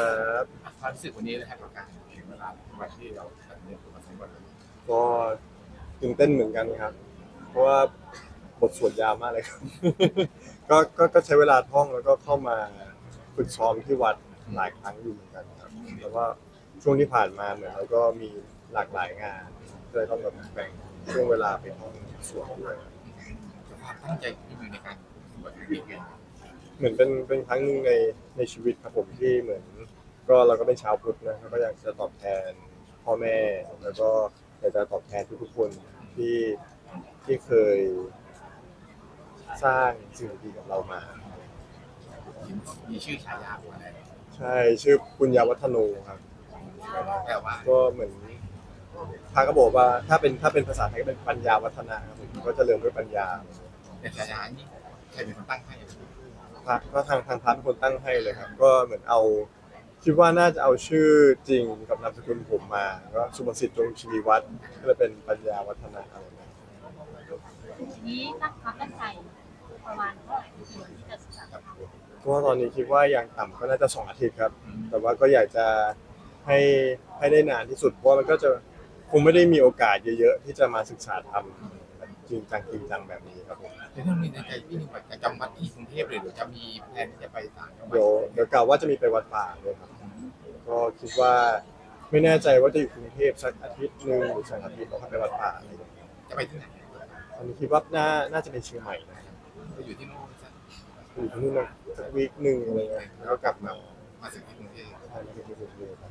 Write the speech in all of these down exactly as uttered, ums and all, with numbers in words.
ครับความรู้สึกวันนี้เลยครับกับการถึงเวลาวันที่เราตัดเนื้อตัวมาสองวันก็ตื่นเต้นเหมือนกันครับเพราะว่าบทสวดยาวมากเลยครับก็ก็ก็ใช้เวลาท่องแล้วก็เข้ามาฝึกซ้อมที่วัดหลายครั้งอยู่เหมือนกันครับแล้วก็ช่วงที่ผ่านมาเหมือนเราก็มีหลากหลายงานก็เลยต้องแบบแบ่งช่วงเวลาไปท่องสวดด้วยความตั้งใจที่มีในการบวชเรียนเหมือนเป็นเป็นครั้งหนึ่งในในชีวิตครับผมที่เหมือนก็เราก็เป็นชาวพุทธนะแล้วก็อยากจะตอบแทนพ่อแม่แล้วก็อยากจะตอบแทนทุกๆคนที่ที่เคยสร้างสิ่งดีๆกับเรามามีชื่อฉายาว่าอะไรใช่ชื่อปุญญาวัฒโนครับแต่ว่าก็เหมือนพระก็บอกว่าถ้าเป็นถ้าเป็นภาษาไทยก็เป็นปัญญาวัฒนะครับผมก็จะเริ่มด้วยปัญญาแต่ฉายานี้ใครเป็นคนตั้งให้พระก็ทางทางพระเป็นคนตั้งให้เลยครับก็เหมือนเอาคิดว่าน่าจะเอาชื่อจริงกับนามสกุลผมมาก็สุภสิทธิ์จงชีวีวัฒน์ก็เลยเป็นปัญญาวัฒนะอะไรนะทีนี้ตั้งความตั้งใจประมาณเท่าไหร่ที่ที่จะศึกษาธรรมก็ตอนนี้คิดว่าอย่างต่ำก็น่าจะสองอาทิตย์ครับแต่ว่าก็อยากจะให้ให้ได้นานที่สุดเพราะมันก็จะคงไม่ได้มีโอกาสเยอะๆที่จะมาศึกษาธรรมจริงจังจริงจังแบบนี้ครับผมเดี๋ยวถ้ามีในใจพี่หนึ่งว่าจะจำวัดที่กรุงเทพเลยหรือจะมีแผนที่จะไปต่างจังหวัดเดี๋ยวเดี๋ยวกล่าวว่าจะมีไปวัดป่าเลยครับก็คิดว่าไม่แน่ใจว่าจะอยู่กรุงเทพสักอาทิตย์หนึ่งหรือสองอาทิตย์แล้วค่อยไปวัดป่าอะไรอย่างเงี้ยจะไปที่ไหนอันนี้คิดว่าน่าน่าจะเป็นเชียงใหม่นะจะอยู่ที่นู่นซะอยู่ที่นู่นนะสักวีคหนึ่งอะไรเงี้ยแล้วก็กลับมามาสึกที่กรุงเทพใช่มาที่กรุงเทพครับ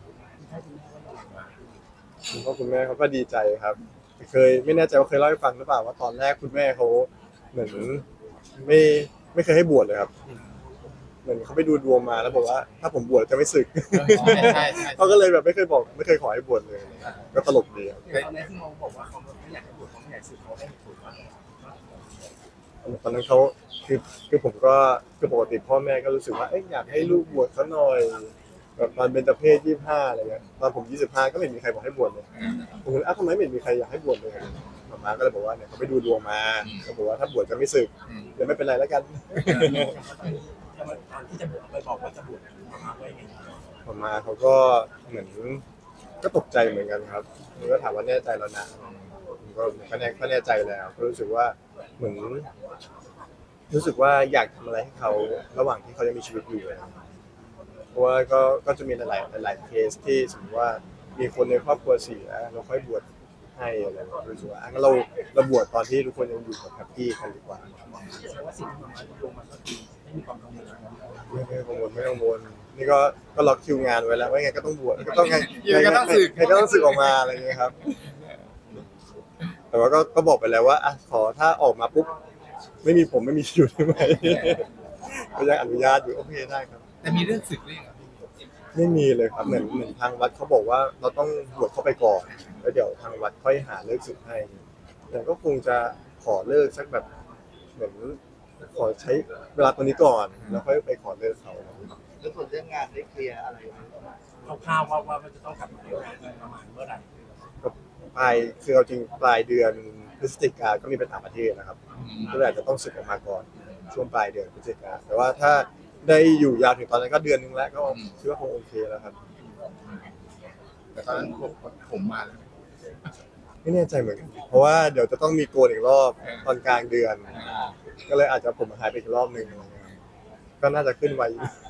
คุณพ่อคุณแม่เขาก็ดีใจครับเคยไม่แน่ใจว่าเคยเล่าให้ฟังหรือเปล่าว่าตอนแรกคุณแม่เขาเหมือนไม่ไม่เคยให้บวชเลยครับเหมือนเขาไปดูดวงมาแล้วบอกว่าถ้าผมบวชจะไม่สึกใช่ใช่ใช่เขาก็เลยแบบไม่เคยบอกไม่เคยขอให้บวชเลยก็ตลกดีครับตอนนี้ที่มองบอกว่าเขาไม่อยากให้บวชเขาไม่อยากสึกเขาได้ผลว่าตอนนั้นเขาคือคือผมก็คือปกติพ่อแม่ก็รู้สึกว่าเอ้ยอยากให้ลูกบวชเขาหน่อยแบบตอนเบญจเพศยี่สิบห้าอะไรเงี้ยตอนผมยี่สิบห้าก็ไม่มีใครบอกให้บวชเลยผมเลยอ้าวทำไมไม่มีใครอยากให้บวชเลยหมอมาก็เลยบอกว่าเนี่ยเขาไปดูดวงมาเขาบอกว่าถ้าบวชจะไม่สึกเดี๋ยวไม่เป็นไรแล้วกันตอนที่จะบวชไปบอกว่าจะบวชมาไว้ไงหมอมาเขาก็เหมือนก็ตกใจเหมือนกันครับมันก็ถามว่าแน่ใจแล้วนะผมก็ก็แน่ก็แน่ใจแล้วก็รู้สึกว่าเหมือนรู้สึกว่าอยากทำอะไรให้เขาระหว่างที่เขายังมีชีวิตอยู่เพราะว่าก็ก็จะมีหลายๆหลายๆเคสที่สมมติว่ามีคนในครอบครัวเสียเราค่อยบวชให้อะไรรู้สึกว่างั้นเราเราบวชตอนที่ทุกคนยังอยู่กับแฮปปี้กันดีกว่าแสดงว่าสิ่งที่มันลงมาก็คือไม่มีความกังวลไม่ไม่กังวลไม่กังวลนี่ก็ก็ล็อกคิวงานไว้แล้วว่าไงก็ต้องบวชก็ต้องไงไงก็ต้องสึกไงก็ต้องสึกออกมาอะไรอย่างเงี้ยครับแต่ว่าก็ก็บอกไปแล้วว่าอ่ะขอถ้าออกมาปุ๊บไม่มีผมไม่มีอยู่ได้ไหมก็ยังอนุญาตอยู่โอเคได้ครับแต่มีเรื่องสึกเรื่องอ่ะไม่มีเลยครับเหมือนเหมือนทางวัดเขาบอกว่าเราต้องบวชเข้าไปก่อนแล้วเดี๋ยวทางวัดค่อยหาเลิกศึกให้แต่ก็คงจะขอเลิกสักแบบเหมือนขอใช้เวลาตรงนี้ก่อนแล้วค่อยไปขอเลิกเขาแล้วส่วนเรื่องงานได้เคลียร์อะไรไหมคร่าวๆว่าว่ามันจะต้องกลับมาประมาณเมื่อไหร่ก็ปลายคือเอาจริงปลายเดือนพฤศจิกาก็มีไปต่างประเทศนะครับก็เลยอาจจะต้องศึกออกมาก่อนช่วงปลายเดือนพฤศจิกาแต่ว่าถ้าได้อยู่ยาวถึงตอนนั้นก็เดือนนึงแล้วก็คิดว่าคงโอเคแล้วครับแต่ตอนนั้นผมผมมาแล้วไม่แน่ใจเหมือนกันเพราะว่าเดี๋ยวจะต้องมีโกนอีกรอบตอนกลางเดือนก็เลยอาจจะผมหายไปอีกรอบหนึ่งก็น่าจะขึ้นไว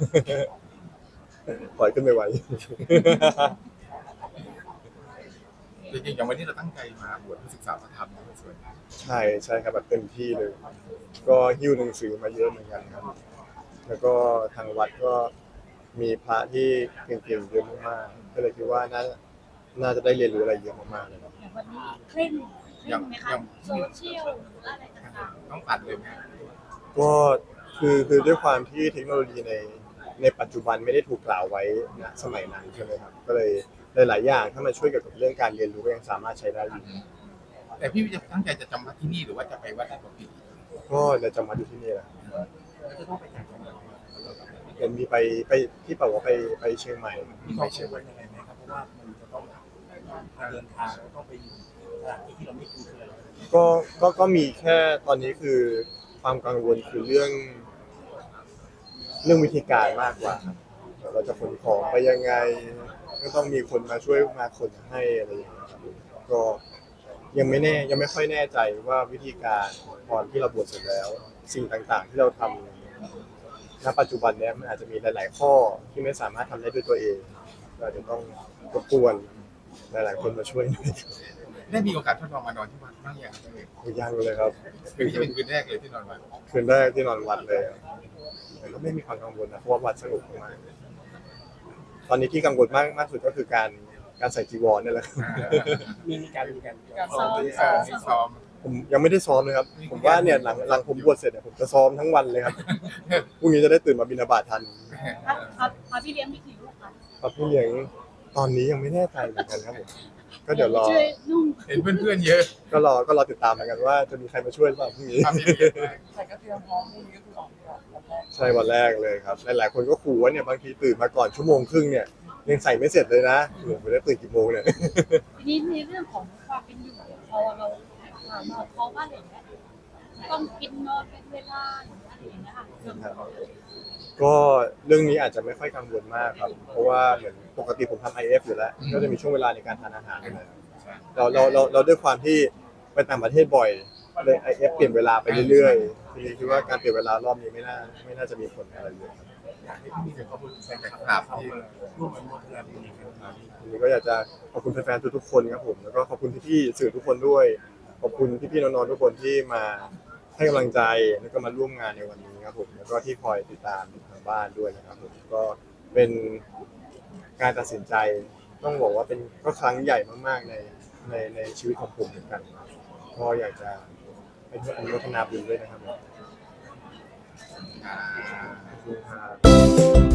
ปล่อยขึ้นไปไวจริงๆอย่างวันนี้เราตั้งใจมาบวชศึกษาพระธรรมในส่วนใช่ใช่ครับแบบเต็มที่เลย ก็หิ้วหนังสือมาเยอะเหมือนกันครับแล้วก็ทางวัดก็มีพระที่เก่งๆเยอะมากๆก็เลยคิดว่าน่าน่าจะได้เรียนรู้อะไรเยอะมากๆเลยครับอย่างวันนี้เคร่งเคร่งไหมคะโซเชียลหรืออะไรต่างๆต้องตัดเลยไหมก็คือคือด้วยความที่เทคโนโลยีในในปัจจุบันไม่ได้ถูกกล่าวไว้ณสมัยนั้นใช่ไหมครับก็เลยหลายๆอย่างถ้ามันช่วยเกี่ยวกับเรื่องการเรียนรู้ก็ยังสามารถใช้ได้อยู่แต่พี่จะตั้งใจจะจำวัดที่นี่หรือว่าจะไปวัดไหนของพี่ก็จะจำวัดอยู่ที่นี่แหละจะต้องไปจากจังหวัดเห็นมีไปไปที่บอกว่าไปไปเชียงใหม่มีความเชื่อมั่นยังไงไหมครับเพราะว่ามันจะต้องเดินทางต้องไปอยู่สถานที่ที่เราไม่คุ้นเคยก็ก็ก็มีแค่ตอนนี้คือความกังวลคือเรื่องเรื่องวิธีการมากกว่าครับเราจะขนของไปยังไงก็ต้องมีคนมาช่วยมาขนให้อะไรอย่างเงี้ยครับก็ยังไม่แน่ยังไม่ค่อยแน่ใจว่าวิธีการตอนที่เราบวชเสร็จแล้ว สิ่งต่างๆ ที่เราทำณปัจจุบันเนี้ยมันอาจจะมีหลาย ๆ ข้อที่ไม่สามารถทำได้ด้วยตัวเองก็อาจจะต้องรบกวนหลาย ๆ คนมาช่วยหน่อยได้มีโอกาสทดลองมานอนที่วัดบ้างอย่างไรยังเลยครับคืนนี้จะเป็นคืนแรกเลยที่นอนวัดคืนแรกที่นอนวัดเลยแต่ก็ไม่มีความกังวลนะเพราะว่าวัดสงบมากตอนนี้ที่กังวลมากมากสุดก็คือการการใส่จีวรนี่แหละครับมีมีการมีการซ้อมเออที่ซ้อมผมยังไม่ได้ซ้อมเลยครับ ผมว่าเนี่ยหลังหลังผมบวชเสร็จเนี่ยผมจะซ้อมทั้งวันเลยครับ พรุ่งนี้จะได้ตื่นมาบิณฑบาตทันครับครับพระพี่เลี้ยงมีกี่ลูกคะครับพี่เลี้ยงตอนนี้ยังไม่แน่ใจเหมือนกันครับผมก็เดี๋ยวรอช่วยนุ่งเห็นเพื่อนๆเยอะก็รอก็รอติดตามเหมือนกันว่าจะมีใครมาช่วยหรือเปล่าพรุ่งนี้ทำให้เยอะมากแต่ก็เตรียมพร้อมพรุ่งนี้ก็คือออกก่อนวันแรกใช่วันแรกเลยครับหลายๆคนก็ขู่ว่าเนี่ยบางทีตื่นมาก่อนชั่วโมงครึ่งเนี่ยยังใส่ไม่เสร็จเลยนะหนูไม่ได้ตื่นกี่โมงเนี่ยทีนี้ในเรื่องของความเป็นอยู่พอเราถามเราเพราะว่าอะไรอย่างเงี้ยต้องกินนอนเป็นเวลาหรืออะไรอย่างเงี้ยค่ะเรื่องของก็เรื่องนี้อาจจะไม่ค่อยกังวลมากครับ เพราะว่าเหมือนปกติผมทำ ไอ เอฟ อยู่แล้ว ก็จะมีช่วงเวลาในการทานอาหารอยู่แล้วเราเราเราเราด้วยความที่ไปต่างประเทศบ่อยเลย ไอ เอฟ เปลี่ยนเวลาไปเรื่อยๆทีนี้คิดว่าการเปลี่ยนเวลารอบนี้ไม่น่าไม่น่าจะมีผลอะไรเลยครับอยากให้พี่มีแต่ขอบคุณแฟนแต่คครัลับบเขาที่มาร่วมอนุโมทนาบุญกันครับทีนี้ก็อยากจะขอบคุณแฟนๆทุกๆคนครับผมแล้วก็ขอบคุณพี่ๆสื่อทุกคนด้วย ขอบคุณพี่ๆน้องๆทุกคนที่มาให้กำลังใจแล้วก็มาร่วมงานในวันนี้ครับผมแล้วก็ที่คอยติดตามอยู่ทางบ้านด้วยนะครับผมก็เป็นการตัดสินใจ ต้องบอกว่าเป็นก็ครั้งใหญ่มากๆในในในชีวิตของผมเหมือนกันก็อยากจะเป็นอนุโมทนาบุญด้วยนะครับอ่าขอบคุณครับ